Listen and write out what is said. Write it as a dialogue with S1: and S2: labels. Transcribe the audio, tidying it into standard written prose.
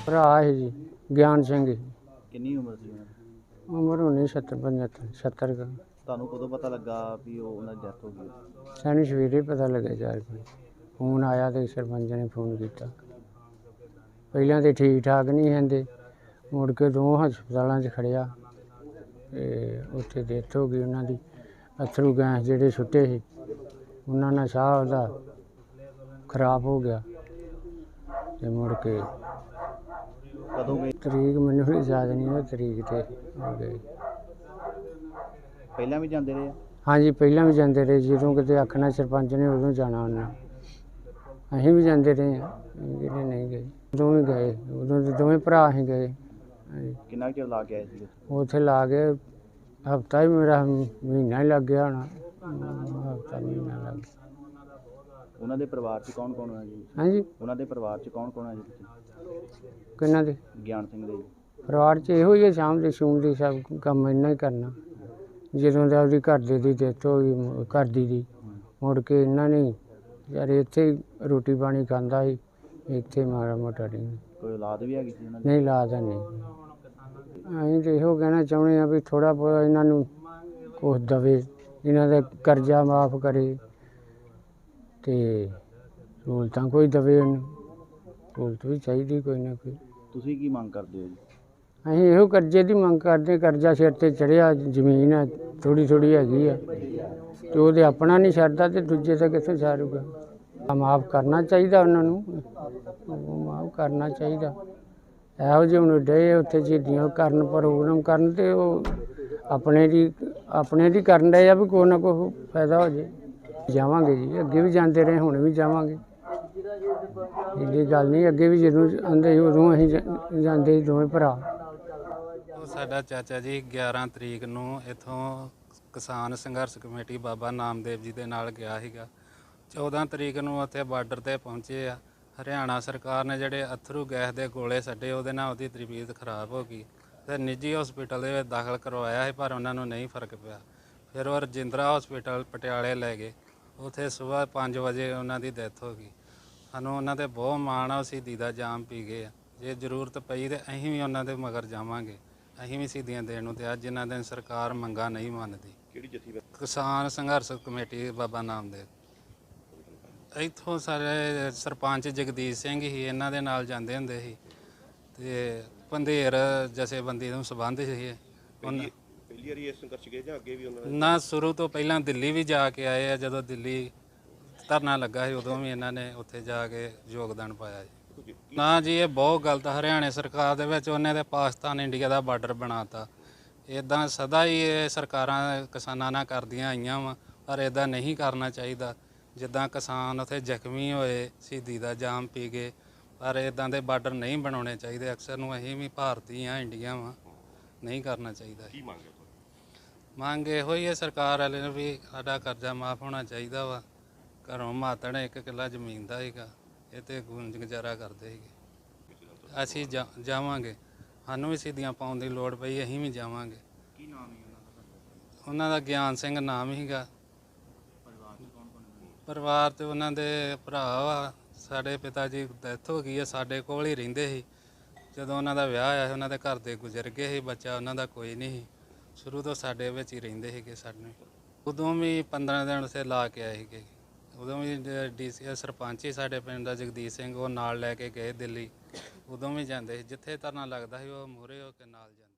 S1: ਭਰਾ है जी ਗਿਆਨ ਸਿੰਘ ਜੀ।
S2: ਕਿੰਨੀ ਉਮਰ ਸੀ ਉਹਨਾਂ ਦੀ?
S1: ਉਮਰ ਹੋਣੀ 70 75 70 ਕੁ।
S2: ਤੁਹਾਨੂੰ ਕਦੋਂ ਪਤਾ ਲੱਗਾ ਵੀ ਉਹਨਾਂ ਦੀ ਡੈਥ ਹੋ ਗਈ?
S1: ਸਾਨੂੰ ਸਵੇਰੇ ਪਤਾ ਲੱਗਾ 4 ਵਜੇ ਫੋਨ ਆਇਆ ਤੇ ਸਰਪੰਚ ਨੇ ਫੋਨ ਕੀਤਾ। ਪਹਿਲਾਂ ਤੇ ਠੀਕ ਠਾਕ ਨਹੀਂ ਹੁੰਦੇ, ਮੁੜ ਕੇ 2 ਹਸਪਤਾਲਾਂ 'ਚ ਖੜਿਆ ਤੇ ਉੱਥੇ ਡੈਥ ਹੋ ਗਈ ਉਹਨਾਂ ਦੀ। ਅਥਰੂ ਗੈਸ ਜਿਹੜੇ ਸੁੱਟੇ ਸੀ ਉਹਨਾਂ ਨਾਲ ਸਾਹ ਉਹਦਾ ਖਰਾਬ ਹੋ ਗਿਆ ਤੇ ਮੁੜ ਕੇ
S2: ਕਦੋਂ ਗਏ?
S1: ਤਰੀਕ ਮੈਨੂੰ ਵੀ ਯਾਦ ਨਹੀਂ ਉਹ ਤਰੀਕ ਤੇ ਹੋ ਗਏ।
S2: ਪਹਿਲਾਂ ਵੀ ਜਾਂਦੇ ਰਹੇ ਆ?
S1: ਹਾਂਜੀ ਪਹਿਲਾਂ ਵੀ ਜਾਂਦੇ ਰਹੇ, ਜਦੋਂ ਕਿਤੇ ਆਖਣਾ ਸਰਪੰਚ ਨੇ ਉਦੋਂ ਜਾਣਾ ਉਹਨਾਂ। ਅਸੀਂ ਵੀ ਜਾਂਦੇ ਰਹੇ ਹਾਂ, ਜਿਹੜੇ ਨਹੀਂ ਗਏ ਉਦੋਂ ਵੀ ਗਏ। ਉਦੋਂ ਦੇ ਦੋਵੇਂ ਭਰਾ ਅਸੀਂ ਗਏ। ਹਾਂਜੀ
S2: ਕਿੰਨਾ ਕੁ ਚਿਰ ਲਾ ਕੇ ਆਏ ਸੀ?
S1: ਉੱਥੇ ਲਾ ਕੇ ਹਫ਼ਤਾ ਹੀ ਮੇਰਾ ਮਹੀਨਾ ਹੀ ਲੱਗ ਗਿਆ ਹੋਣਾ। ਹਫ਼ਤਾ ਮਹੀਨਾ ਲੱਗ ਗਿਆ।
S2: ਉਹਨਾਂ ਦੇ ਪਰਿਵਾਰ 'ਚ ਕੌਣ ਕੌਣ ਹੈ ਜੀ?
S1: ਹਾਂਜੀ
S2: ਉਹਨਾਂ ਦੇ ਪਰਿਵਾਰ 'ਚ ਕੌਣ ਕੌਣ ਹੈ ਜੀ?
S1: ਕਿਹਨਾਂ ਦੇ
S2: ਗਿਆਨ ਸਿੰਘ ਦੇ ਜੀ?
S1: ਪਰਿਵਾਰ 'ਚ ਇਹੋ ਹੀ ਹੈ, ਸ਼ਾਮ ਦੇ ਸ਼ੂਮ ਦੇ ਸਭ ਕੰਮ ਇੰਨਾ ਹੀ ਕਰਨਾ। ਜਦੋਂ ਦਾ ਉਹਦੀ ਘਰ ਦੇ ਦੀ ਡੈਥ ਹੋ ਗਈ, ਘਰ ਦੀ ਮੁੜ ਕੇ ਇਹਨਾਂ ਨੇ ਯਾਰ ਇੱਥੇ ਹੀ ਰੋਟੀ ਪਾਣੀ ਖਾਂਦਾ ਸੀ, ਇੱਥੇ ਮਾੜਾ ਮੋਟਾ ਨਹੀਂ।
S2: ਕੋਈ ਔਲਾਦ ਵੀ ਹੈਗੀ ਸੀ ਉਹਨਾਂ ਦੀ?
S1: ਨਹੀਂ ਲਾਦਾ ਨਹੀਂ। ਅਸੀਂ ਤਾਂ ਇਹੋ ਕਹਿਣਾ ਚਾਹੁੰਦੇ ਹਾਂ ਵੀ ਥੋੜ੍ਹਾ ਬਹੁਤ ਇਹਨਾਂ ਨੂੰ ਕੁਛ ਦੇਵੇ, ਇਹਨਾਂ ਦਾ ਕਰਜ਼ਾ ਮਾਫ ਕਰੇ ਅਤੇ ਸਹੂਲਤਾਂ ਕੋਈ ਦੇਵੇ। ਇਹਨੂੰ ਸਹੂਲਤ ਵੀ ਚਾਹੀਦੀ ਕੋਈ ਨਾ ਕੋਈ।
S2: ਤੁਸੀਂ ਕੀ ਮੰਗ ਕਰਦੇ ਹੋ ਜੀ?
S1: ਅਸੀਂ ਇਹੋ ਕਰਜ਼ੇ ਦੀ ਮੰਗ ਕਰਦੇ। ਕਰਜ਼ਾ ਸਿਰ 'ਤੇ ਚੜ੍ਹਿਆ, ਜ਼ਮੀਨ ਹੈ ਥੋੜ੍ਹੀ ਥੋੜ੍ਹੀ ਹੈਗੀ ਆ ਅਤੇ ਉਹਦੇ ਆਪਣਾ ਨਹੀਂ ਛੱਡਦਾ ਅਤੇ ਦੂਜੇ ਦਾ ਕਿੱਥੋਂ ਛੱਡੂਗਾ। ਮਾਫ ਕਰਨਾ ਚਾਹੀਦਾ ਉਹਨਾਂ ਨੂੰ, ਮਾਫ ਕਰਨਾ ਚਾਹੀਦਾ। ਇਹੋ ਜਿਹੇ ਹੁਣ ਡੇ ਉੱਥੇ ਸ਼ਹੀਦੀਆਂ ਕਰਨ, ਪ੍ਰੋਗਰਾਮ ਕਰਨ ਅਤੇ ਉਹ ਆਪਣੇ ਦੀ ਕਰਨ ਡਏ ਆ ਵੀ ਕੋਈ ਨਾ ਕੋਈ ਫਾਇਦਾ ਹੋ ਜਾਏ। ਜਾਵਾਂਗੇ ਜੀ, ਅੱਗੇ ਵੀ ਜਾਂਦੇ ਰਹੇ, ਹੁਣ ਵੀ ਜਾਵਾਂਗੇ। ਇਹਦੀ ਗੱਲ ਨਹੀਂ, ਅੱਗੇ ਵੀ ਜਦੋਂ ਆਉਂਦੇ ਸੀ ਉਦੋਂ ਅਸੀਂ ਜਾਂਦੇ ਸੀ ਦੋਵੇਂ ਭਰਾ।
S3: ਉਹ ਸਾਡਾ ਚਾਚਾ ਜੀ 11 ਤਰੀਕ ਨੂੰ ਇੱਥੋਂ ਕਿਸਾਨ ਸੰਘਰਸ਼ ਕਮੇਟੀ ਬਾਬਾ ਨਾਮਦੇਵ ਜੀ ਦੇ ਨਾਲ ਗਿਆ ਸੀਗਾ। 14 ਤਰੀਕ ਨੂੰ ਉੱਥੇ ਬਾਰਡਰ 'ਤੇ ਪਹੁੰਚੇ ਆ। ਹਰਿਆਣਾ ਸਰਕਾਰ ਨੇ ਜਿਹੜੇ ਅਥਰੂ ਗੈਸ ਦੇ ਗੋਲੇ ਛੱਡੇ, ਉਹਦੇ ਨਾਲ ਉਹਦੀ ਤਬੀਅਤ ਖਰਾਬ ਹੋ ਗਈ ਅਤੇ ਨਿੱਜੀ ਹਸਪੀਟਲ ਦੇ ਵਿੱਚ ਦਾਖਲ ਕਰਵਾਇਆ ਸੀ, ਪਰ ਉਹਨਾਂ ਨੂੰ ਨਹੀਂ ਫਰਕ ਪਿਆ। ਫਿਰ ਉਹ ਰਜਿੰਦਰਾ ਹਸਪੀਟਲ ਪਟਿਆਲੇ ਲੈ ਗਏ। ਉੱਥੇ ਸੁਬਾਹ 5 ਵਜੇ ਉਹਨਾਂ ਦੀ ਡੈਥ ਹੋ ਗਈ। ਸਾਨੂੰ ਉਹਨਾਂ 'ਤੇ ਬਹੁਤ ਮਾਣ ਆ, ਉਹ ਸ਼ਹੀਦੀ ਦਾ ਜਾਮ ਪੀ ਗਏ ਆ। ਜੇ ਜ਼ਰੂਰਤ ਪਈ ਤਾਂ ਅਸੀਂ ਵੀ ਉਹਨਾਂ ਦੇ ਮਗਰ ਜਾਵਾਂਗੇ, ਅਸੀਂ ਵੀ ਸ਼ਹੀਦੀਆਂ ਦੇਣ ਨੂੰ ਤਿਆਰ, ਜਿਨ੍ਹਾਂ ਦਿਨ ਸਰਕਾਰ ਮੰਗਾਂ ਨਹੀਂ ਮੰਨਦੀ।
S2: ਕਿਹੜੀ ਜਥੇਬੰਦੀ?
S3: ਕਿਸਾਨ ਸੰਘਰਸ਼ ਕਮੇਟੀ ਬਾਬਾ ਨਾਮਦੇਵ। ਇੱਥੋਂ ਸਾਰੇ ਸਰਪੰਚ ਜਗਦੀਸ਼ ਸਿੰਘ ਹੀ ਇਹਨਾਂ ਦੇ ਨਾਲ ਜਾਂਦੇ ਹੁੰਦੇ ਸੀ ਅਤੇ ਪੰਧੇਰ ਜਥੇਬੰਦੀ ਨੂੰ ਸੰਬੰਧ ਸੀ।
S4: ਪਹਿਲੀ ਵਾਰੀ ਇਸ ਸੰਘਰਸ਼ ਗਏ ਜਾਂ ਅੱਗੇ ਵੀ ਉਹਨਾਂ ਨੇ?
S3: ਨਾ, ਸ਼ੁਰੂ ਤੋਂ ਪਹਿਲਾਂ ਦਿੱਲੀ ਵੀ ਜਾ ਕੇ ਆਏ ਆ। ਜਦੋਂ ਦਿੱਲੀ ਧਰਨਾ ਲੱਗਾ ਸੀ ਉਦੋਂ ਵੀ ਇਹਨਾਂ ਨੇ ਉੱਥੇ ਜਾ ਕੇ ਯੋਗਦਾਨ ਪਾਇਆ ਜੀ। ਨਾ ਜੀ, ਇਹ ਬਹੁਤ ਗਲਤ। ਹਰਿਆਣੇ ਸਰਕਾਰ ਦੇ ਵਿੱਚ ਉਹਨੇ ਤੇ ਪਾਕਿਸਤਾਨ ਇੰਡੀਆ ਦਾ ਬਾਰਡਰ ਬਣਾਤਾ। ਇੱਦਾਂ ਸਦਾ ਹੀ ਇਹ ਸਰਕਾਰਾਂ ਕਿਸਾਨਾਂ ਨਾਲ ਕਰਦੀਆਂ ਆਈਆਂ ਵਾ, ਪਰ ਇੱਦਾਂ ਨਹੀਂ ਕਰਨਾ ਚਾਹੀਦਾ। ਜਿੱਦਾਂ ਕਿਸਾਨ ਉੱਥੇ ਜ਼ਖਮੀ ਹੋਏ, ਸ਼ਹੀਦੀ ਦਾ ਜਾਮ ਪੀ ਗਏ, ਪਰ ਇੱਦਾਂ ਦੇ ਬਾਰਡਰ ਨਹੀਂ ਬਣਾਉਣੇ ਚਾਹੀਦੇ। ਅਕਸਰ ਨੂੰ ਅਸੀਂ ਵੀ ਭਾਰਤੀ ਹਾਂ, ਇੰਡੀਆ ਵਾ, ਨਹੀਂ ਕਰਨਾ ਚਾਹੀਦਾ।
S4: ਕੀ
S3: ਮੰਗ ਇਹੋ ਹੀ ਹੈ ਸਰਕਾਰ ਵਾਲੇ ਨੂੰ ਵੀ ਸਾਡਾ ਕਰਜ਼ਾ ਮਾਫ ਹੋਣਾ ਚਾਹੀਦਾ ਵਾ। ਘਰੋਂ ਮਾਤੜ 1 ਕਿੱਲਾ ਜ਼ਮੀਨ ਦਾ ਸੀਗਾ, ਇਹ 'ਤੇ ਗੁਜ਼ਾਰਾ ਕਰਦੇ ਸੀਗੇ। ਅਸੀਂ ਜਾਵਾਂਗੇ, ਸਾਨੂੰ ਵੀ ਸ਼ਹੀਦੀਆਂ ਪਾਉਣ ਦੀ ਲੋੜ ਪਈ, ਅਸੀਂ ਵੀ ਜਾਵਾਂਗੇ।
S2: ਕੀ ਨਾਮ ਹੈ ਉਹਨਾਂ ਦਾ?
S3: ਉਹਨਾਂ ਦਾ ਗਿਆਨ ਸਿੰਘ ਨਾਮ ਸੀਗਾ।
S2: ਪਰਿਵਾਰ 'ਚ ਕੌਣ ਕੌਣ ਹੈ?
S3: ਪਰਿਵਾਰ 'ਤੇ ਉਹਨਾਂ ਦੇ ਭਰਾ ਵਾ। ਸਾਡੇ ਪਿਤਾ ਜੀ ਡੈਥ ਹੋ ਗਈ ਹੈ, ਸਾਡੇ ਕੋਲ ਹੀ ਰਹਿੰਦੇ ਸੀ। ਜਦੋਂ ਉਹਨਾਂ ਦਾ ਵਿਆਹ ਆਇਆ, ਉਹਨਾਂ ਦੇ ਘਰ ਦੇ ਗੁਜ਼ਰ ਗਏ ਸੀ, ਬੱਚਾ ਉਹਨਾਂ ਦਾ ਕੋਈ ਨਹੀਂ ਸੀ। ਸ਼ੁਰੂ ਤੋਂ ਸਾਡੇ ਵਿੱਚ ਹੀ ਰਹਿੰਦੇ ਸੀਗੇ। ਸਾਨੂੰ ਉਦੋਂ ਵੀ 15 ਦਿਨ ਉੱਥੇ ਲਾ ਕੇ ਆਏ ਸੀਗੇ। ਉਦੋਂ ਵੀ DC ਸਰਪੰਚ ਹੀ ਸਾਡੇ ਪਿੰਡ ਦਾ ਜਗਦੀਸ਼ ਸਿੰਘ, ਉਹ ਨਾਲ ਲੈ ਕੇ ਗਏ ਦਿੱਲੀ। ਉਦੋਂ ਵੀ ਜਾਂਦੇ ਸੀ, ਜਿੱਥੇ ਧਰਨਾ ਲੱਗਦਾ ਸੀ ਉਹ ਮੂਹਰੇ ਹੋ ਕੇ ਨਾਲ ਜਾਂਦੇ।